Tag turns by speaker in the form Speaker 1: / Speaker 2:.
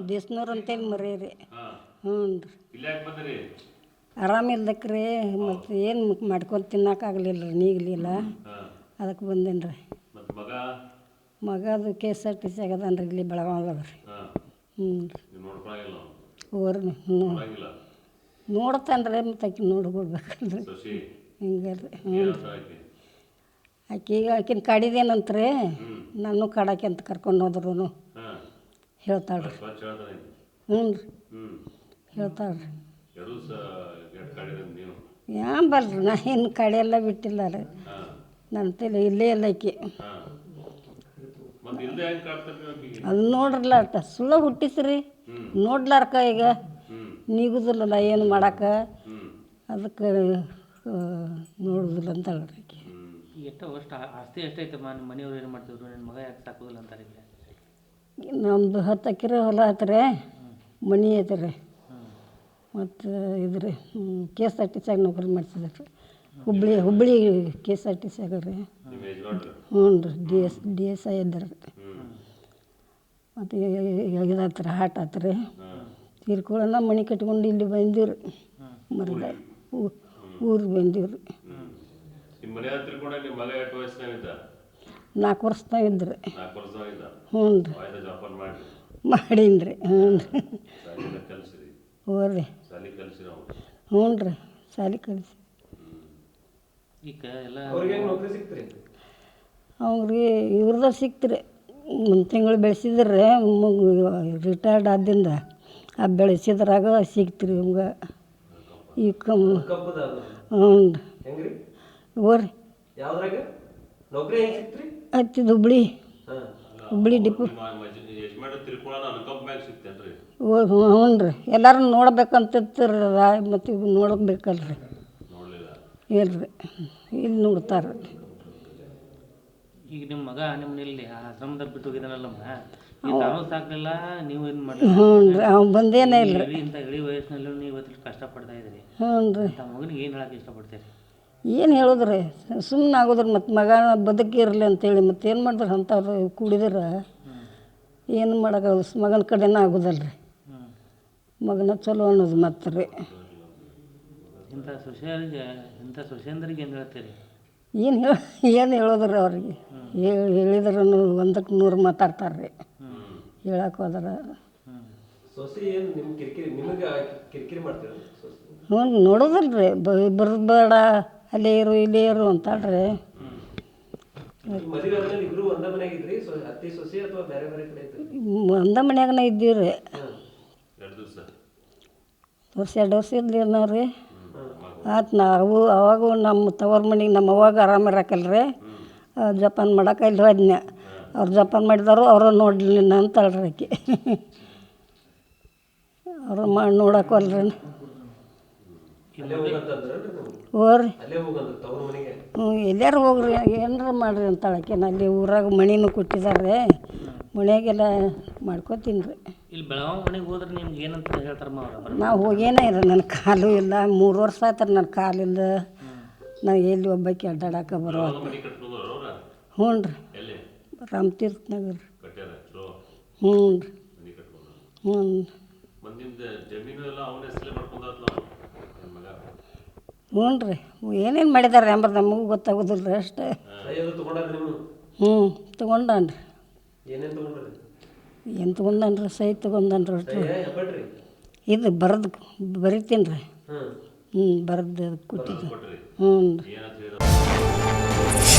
Speaker 1: ದೇಸ್ನೂರು ಅಂತೇಳಿ ಮರೀರಿ.
Speaker 2: ಹಾಂ
Speaker 1: ಹ್ಞೂ ರೀ.
Speaker 2: ಇಲ್ಲಿ ಯಾಕೆ ಬಂದಿರಿ?
Speaker 1: ಆರಾಮಿಲ್ದಕ್ರಿ ಮತ್ತು ಏನು ಮಾಡ್ಕೊಂಡು ತಿನ್ನೋಕ್ಕಾಗಲಿಲ್ಲ ರೀ, ನೀಗಲಿಲ್ಲ.
Speaker 2: ಹಾಂ
Speaker 1: ಅದಕ್ಕೆ ಬಂದೇನಿ ರೀ.
Speaker 2: ಮತ್ತು
Speaker 1: ಮಗದು KSRTC ಆಗದಾನ ರೀ, ಇಲ್ಲಿ ಬೆಳಗಾವ್ದಾಗ ರೀ.
Speaker 2: ಹಾಂ
Speaker 1: ಹ್ಞೂ ರೀ.
Speaker 2: ನೀವು ನೋಡ್ಕೊಳಂಗಿಲ್ಲ
Speaker 1: ಓರಿ
Speaker 2: ನೋಡಂಗಿಲ್ಲ
Speaker 1: ನೋಡ್ತಾನೆ ರೀ, ಮತ್ತು ಆಕೆ ನೋಡ್ಕೊಡ್ಬೇಕಲ್ರಿ.
Speaker 2: ಶಶಿ
Speaker 1: ಹಿಂಗೆ ರೀ. ಹ್ಞೂ
Speaker 2: ಏನಂತ ಆಕಿ?
Speaker 1: ಆಕಿನ ಕಾಡಿದೇನಂತ್ರಿ, ನಾನು ಕಾಡಾಕೆ ಅಂತ ಕರ್ಕೊಂಡು ಹೋದ್ರು
Speaker 2: ಹಾಂ
Speaker 1: ಹೇಳ್ತಾಳೆ ರೀ.
Speaker 2: ಸ್ವಚ್ಛ ಹೇಳ್ತಾನೆ.
Speaker 1: ಹ್ಞೂ ರೀ
Speaker 2: ಹ್ಞೂ
Speaker 1: ಹೇಳ್ತಾಳೆ ರೀ.
Speaker 2: ಎರಡು ಕೆಟ್ಟ ಕಾಡಿದ ನೀವು?
Speaker 1: ಯಾನ್ ಬಲ್ರಿ, ನಾ ಇನ್ನು ಕಡೆಯೆಲ್ಲ ಬಿಟ್ಟಿಲ್ಲ ರೀ.
Speaker 2: ಹಾಂ
Speaker 1: ನನ್ನ ತಲೆ ಇಲ್ಲೇ ಇಲ್ಲ ಆಕಿ.
Speaker 2: ಹಾಂ ಮತ್ತು ಇಲ್ಲದೆ ಹೆಂಗೆ ಕಾಡ್ತಾರೆ ನೀವು ಆಕಿಗೆ?
Speaker 1: ಅದು ನೋಡ್ರಲ್ಲ ಅಷ್ಟ ಸುಳ್ಳ ಹುಟ್ಟಿಸ್ರಿ, ನೋಡ್ಲಾರ್ಕ ಈಗ ನೀಗುದಿಲ್ಲಲ್ಲ ಏನು ಮಾಡಕ್ಕೆ, ಅದಕ್ಕೆ ನೋಡುದಿಲ್ಲ ಅಂತ ಹೇಳ್ರಿ ಆಕಿ.
Speaker 3: ಎಷ್ಟು ಆಸ್ತಿ ಎಷ್ಟೈತಮ್ಮ? ನಿಮ್ಮ ಮನೆಯವ್ರು ಏನು ಮಾಡ್ತಿದ್ರು? ನನ್ನ ಮಗ ಯಾಕೆ ಸಾಕೋದಿಲ್ಲ ಅಂತಾರೆ ಈಗ?
Speaker 1: ನಮ್ಮದು 10 ಎಕರೆ ಹೊಲ ಐತ್ರಿ, ಮನೆ ಐತ್ರಿ. ಮತ್ತು ಇದ್ರಿ KSRTC ನೌಕರಿ ಮಾಡ್ತಿದ್ರಿ, ಹುಬ್ಳಿ KSRTC ರೀ. ಹ್ಞೂ ರೀ, DSI ಇದ್ದಾರೆ ರೀ. ಮತ್ತು ಇದಾತ್ರಿ, ಹಾಟ್ ಆತ್ರಿ. ತೀರ್ಕೊಳ್ಳೋಣ ಮನೆ ಕಟ್ಕೊಂಡು ಇಲ್ಲಿ ಬಂದೀವಿ ರೀ, ಮರದ ಊರಿಗೆ ಬಂದೀವಿ ರೀ. 4 ವರ್ಷದಾಗ ಇದ್ರಿ. ಹ್ಞೂ ರೀ ಮಾಡೀನಿ ರೀ. ಹ್ಞೂ ರೀ. ಹ್ಞೂ ರೀ. ಹ್ಞೂ ರೀ ಸಾಲಿ ಕಲಿಸಿ.
Speaker 3: ಈಗ ಎಲ್ಲ
Speaker 1: ಅವ್ರಿಗೆ ಇವ್ರದಾಗ ಸಿಕ್ತ್ರಿ, ಒಂದು ತಿಂಗಳು ಬೆಳೆಸಿದ್ರೆ ರಿಟೈರ್ಡ್ ಆದಿಂದ ಆ ಬೆಳೆಸಿದ್ರಾಗ ಸಿಕ್ತ್ರಿ ಇವಂಗೆ. ಈ ಹ್ಞೂ ರೀ. ಓರಿ ಹತ್ತಿದ ಹುಬ್ಳಿ ಡಿಪೋ. ಹ್ಞೂ ರೀ, ಎಲ್ಲರೂ ನೋಡ್ಬೇಕಂತಿರ್ತೀರ, ಮತ್ತು ಈಗ ನೋಡಬೇಕಲ್ರಿ. ಇಲ್ರಿ, ಇಲ್ಲಿ ನೋಡ್ತಾರೆ.
Speaker 3: ಈಗ ನಿಮ್ಮ ಮಗ ನಿಮ್ಮಲ್ಲಿ ಆಶ್ರಮದಾಗ ಬಿಟ್ಟು ಹೋಗಿದ್ದಾನಲ್ಲಮ್ಮ, ತಾನು ಸಾಕಲಿಲ್ಲ, ನೀವು ಏನು ಮಾಡಿ?
Speaker 1: ಹ್ಞೂ ರೀ, ಅವ್ನು ಬಂದೇನೇ ಇಲ್ಲ ರೀ.
Speaker 3: ಇಂಥ ಇಳಿ ವಯಸ್ಸಿನಲ್ಲೂ ನೀವು ಇವತ್ತು ಕಷ್ಟಪಡ್ತಾ ಇದ್ದೀರಿ.
Speaker 1: ಹ್ಞೂ ರೀ.
Speaker 3: ತಮ್ಮ ಮಗನಿಗೆ ಏನು ಹೇಳಕ್ಕೆ ಇಷ್ಟಪಡ್ತೀರಿ?
Speaker 1: ಏನು ಹೇಳೋದ್ರಿ, ಸುಮ್ಮನೆ ಆಗೋದ್ರಿ. ಮತ್ತು ಮಗ ಬದುಕಿರಲಿ ಅಂತೇಳಿ ಮತ್ತೆ ಏನು ಮಾಡಿದ್ರೆ ಅಂಥವ್ರು ಕೂಡಿದ್ರೆ ಏನು ಮಾಡೋಕ್ಕಾಗಲ್ಲ. ಮಗನ ಕಡೆನೇ ಆಗೋದಲ್ಲ ರೀ, ಮಗನ ಚಲೋ ಅನ್ನೋದು ಮತ್ತೆ ರೀ.
Speaker 3: ಇಂಥ ಸೊಸೆಯಂದ್ರಿಗೆ ಏನು ಹೇಳ್ತೀರಿ?
Speaker 1: ಏನು ಹೇಳೋದ್ರಿ ಅವ್ರಿಗೆ? ಹೇಳಿದ್ರು 100ಕ್ಕೆ 100 ಮಾತಾಡ್ತಾರೆ ರೀ, ಹೇಳಕ್ಕೆ ಹೋದ್ರೆ. ಹ್ಞೂ ನೋಡೋದಿಲ್ಲ ರೀ, ಬರಬೇಡ, ಅಲ್ಲೇ ಇರು ಇಲ್ಲೇ ಇರು ಅಂತಾಳ್ರಿ. ಒಂದ ಮನ್ಯಾಗನ ಇದ್ದೀವಿ ರೀ. 2 ವರ್ಷ ಇದ್ರಿ ನಾವು ರೀ. ಆಯ್ತು, ನಾವು ಅವಾಗೂ ನಮ್ಮ ತವ್ರ ಮನೆಗೆ ನಮ್ಮ ಅವಾಗ ಆರಾಮಿರಕಲ್ರಿ, ಜಪಾನ್ ಮಾಡಕ್ಕೆ ಇಲ್ಲಿ ಹೋದ್ನ. ಅವ್ರು ಜಪಾನ್ ಮಾಡಿದವರು ಅವ್ರ ನೋಡಲಿಲ್ಲ ಅಂತಳ್ರಿ ಆಕಿ. ಅವ್ರು ಮಾಡಿ ನೋಡಕ್ಕಲ್ರಿ. ಹೋರಿ ಹ್ಞೂ, ಎಲ್ಲಾರು ಹೋಗ್ರಿ, ಏನಾರ ಮಾಡಿರಿ ಅಂತಾಳಕ್ಕೆ. ಅಲ್ಲಿ ಊರಾಗ ಮಣಿನೂ ಕೊಟ್ಟಿದ್ದಾರೆ, ಮನೆಯಾಗೆಲ್ಲ ಮಾಡ್ಕೋತೀನಿ ರೀ.
Speaker 3: ಇಲ್ಲಿ ಬೆಳಗಾವಿ ಮನೆಗೆ ಹೋದ್ರೆ ನಿಮ್ಗೆ ಏನಂತ ಹೇಳ್ತಾರಮ್ಮ ಅವ್ರು?
Speaker 1: ನಾವು ಹೋಗೇನೇ ಇರ, ನನ್ನ ಕಾಲು ಇಲ್ಲ, 3 ವರ್ಷ ಆಯ್ತಾರೆ ನನ್ನ ಕಾಲಿಲ್ಲ. ನಾವು ಎಲ್ಲಿ ಒಬ್ಬಾಕಿ ಅಡ್ಡಾಡಕ್ಕೆ ಬರೋ. ಹ್ಞೂ ರೀ, ರಾಮತೀರ್ಥ ನಗರ. ಹ್ಞೂ ರೀ. ಹ್ಞೂ ಹ್ಞೂ ರೀ, ಏನೇನು ಮಾಡಿದಾರೆ ಎಂಬುದು ನಮಗೂ ಗೊತ್ತಾಗೋದಿಲ್ಲ ರೀ ಅಷ್ಟೇ. ಹ್ಞೂ ತೊಗೊಂಡಾನ್ರಿ. ಏನು ತೊಗೊಂಡಾನ್ರಿ? ಸೈ ತೊಗೊಂಡಾನ್ರಿ ಅಷ್ಟು. ಇದು ಬರಿತೀನಿ ರೀ. ಹ್ಞೂ ಬರೆದು ಕೊಟ್ಟಿದ್ದೆ. ಹ್ಞೂ ರೀ.